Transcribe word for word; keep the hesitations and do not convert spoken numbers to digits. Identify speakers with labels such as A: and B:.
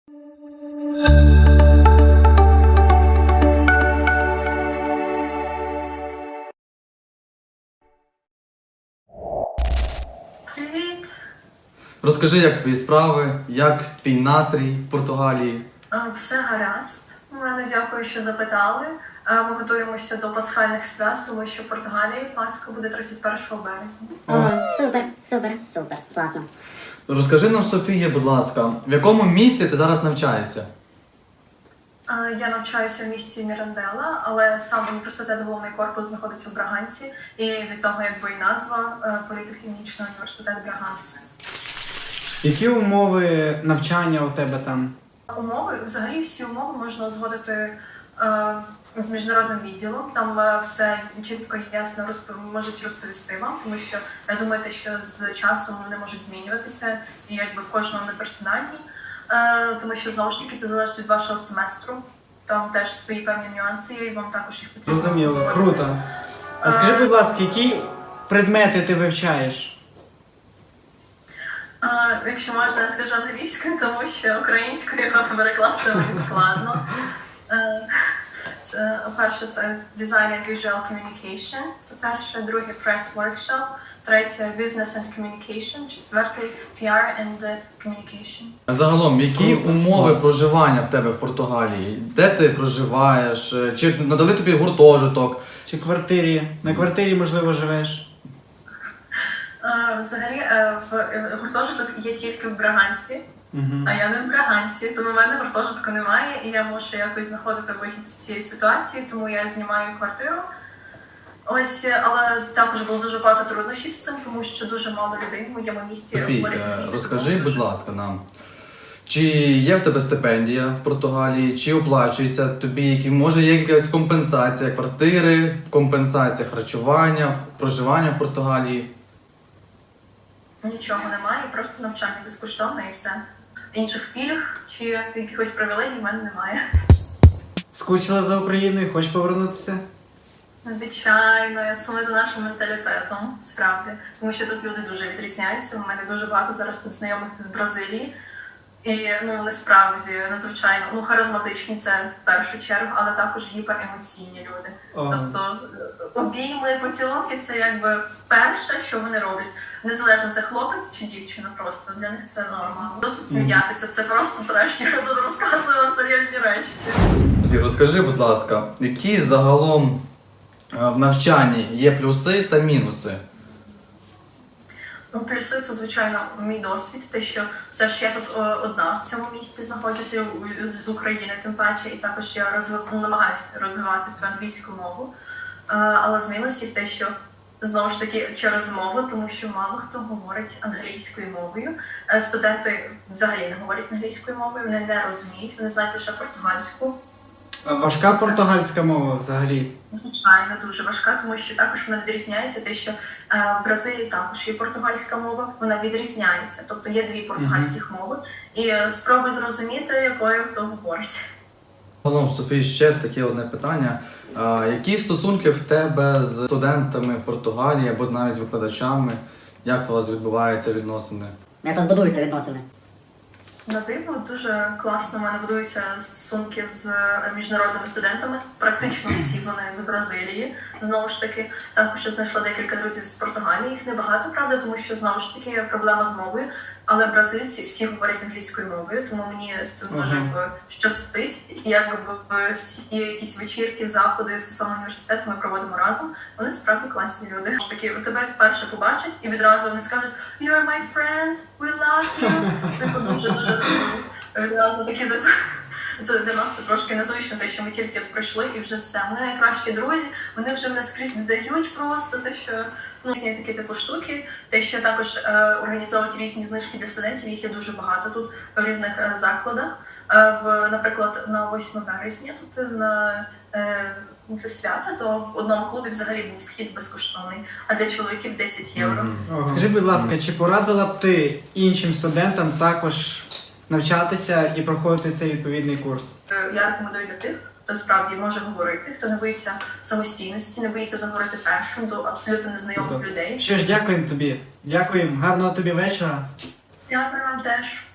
A: Привіт!
B: Розкажи, як твої справи, як твій настрій в Португалії?
A: Е, Все гаразд. У мене дякую, що запитали. Е, Ми готуємося до пасхальних свят, тому що в Португалії Пасха буде тридцять першого березня.
C: О, супер, супер, супер, класно.
B: Розкажи нам, Софія, будь ласка, в якому місті ти зараз навчаєшся?
A: Е, Я навчаюся в місті Мірандела, але сам університет, головний корпус знаходиться в Браганці, і від того якби і назва е, політехнічний університет Браганси.
D: Які умови навчання у тебе там?
A: Умови, взагалі всі умови можна узгодити е, з міжнародним відділом. Там е, все чітко і ясно розп... можуть розповісти вам, тому що я думаю, те, що з часом вони можуть змінюватися, і якби в кожному не персональні, е, тому що знову ж таки це залежить від вашого семестру. Там теж свої певні нюанси є, і вам також їх потрібно.
D: Зрозуміло,
A: узгодити.
D: круто. А скажи, будь ласка, які предмети ти вивчаєш?
A: А, якщо можна, я скажу англійською, тому що українською його перекласти мені складно. Е, Це, перше, це Design and Visual Communication, це перше, друге Press Workshop, третє Business and Communication, четвертий пі ар and Communication.
B: Загалом, які
D: Круто.
B: умови
D: Клас.
B: проживання в тебе в Португалії? Де ти проживаєш? Чи надали тобі гуртожиток?
D: Чи квартирі? На квартирі, можливо, живеш?
A: Е, Взагалі, е, в е, гуртожиток є тільки в Браганці,
D: Угу.
A: а я не в Браганці, тому в мене гуртожитку немає, і я мушу якось знаходити вихід з цієї ситуації, тому я знімаю квартиру. Ось, але також було дуже багато труднощів з цим, тому що дуже мало людей в моєму місті
B: Софій,
A: говорять
B: е,
A: англійською
B: розкажи,
A: мовою.
B: будь ласка, нам. Чи є в тебе стипендія в Португалії, чи оплачується тобі, які, може є якась компенсація квартири, компенсація харчування, проживання в Португалії?
A: Нічого немає, просто навчання безкоштовне і все. Інших пільг чи якихось привілегій в мене немає.
D: Скучила за Україною, хочеш повернутися?
A: Звичайно, я саме за нашим менталітетом, справді. Тому що тут люди дуже відрізняються. У мене дуже багато зараз тут знайомих з Бразилії. І ну насправді надзвичайно ну харизматичні це в першу чергу, але також гіперемоційні люди.
D: О,
A: Тобто обійми, поцілунки це якби перше, що вони роблять. Незалежно це хлопець чи дівчина, просто для них це норма. Досить сміятися, це просто треш. Я тут розказую вам серйозні речі.
B: Софій, розкажи, будь ласка, які загалом е, в навчанні є плюси та мінуси?
A: Ну, плюси це, звичайно, мій досвід, те, що все ж я тут о, одна в цьому місці знаходжуся у- з України, тим паче, і також я розвив, намагаюся розвивати свою англійську мову. Е, але з мінусів те, що знову ж таки через мову, тому що мало хто говорить англійською мовою. Е, студенти взагалі не говорять англійською мовою, вони не розуміють, вони знають лише португальську.
D: а важка португальська мова взагалі?
A: Звичайно, дуже важка, тому що також вона відрізняється те, що е, в Бразилії також є португальська мова, вона відрізняється. Тобто є дві португальських мови, і е, спробуй зрозуміти, якою хто говорить.
B: Загалом, Софій, ще таке одне питання. А, які стосунки в тебе з студентами в Португалії або навіть з викладачами? Як у вас відбуваються відносини?
C: Як у вас будуються відносини?
A: На диво дуже класно в мене будуються стосунки з е, міжнародними студентами. Практично всі вони з Бразилії. Знову ж таки, також я знайшла декілька друзів з Португалії. Їх небагато, правда, тому що знову ж таки є проблема з мовою. Але бразильці всі говорять англійською мовою, тому мені з цим дуже
D: Ага.
A: якби, щастить. І якби всі якісь вечірки, заходи стосовно університету ми проводимо разом. Вони справді класні люди. Ж таки, тебе вперше побачать і відразу вони скажуть «You're my friend, we love you». Типу дуже дуже відразу такі типу. Це для нас це трошки незвично, те, що ми тільки от прийшли і вже все. Вони найкращі друзі, вони вже мене скрізь додають просто те, що ну різні такі типу штуки. Те, що також е, організовують різні знижки для студентів, їх є дуже багато тут в різних е, закладах. Е, в, наприклад, на восьме березня тут на е, це свято, то в одному клубі взагалі був вхід безкоштовний, а для чоловіків десять євро.
B: Мгм.
D: Скажи, будь ласка, чи порадила б ти іншим студентам також навчатися і проходити цей відповідний курс?
A: Е, Я рекомендую для тих, хто справді може говорити, хто не боїться самостійності, не боїться заговорити першим до абсолютно незнайомих
D: Круто.
A: людей.
D: Що ж, дякуємо тобі. Дякуємо. Гарного тобі вечора.
A: Дякую вам теж.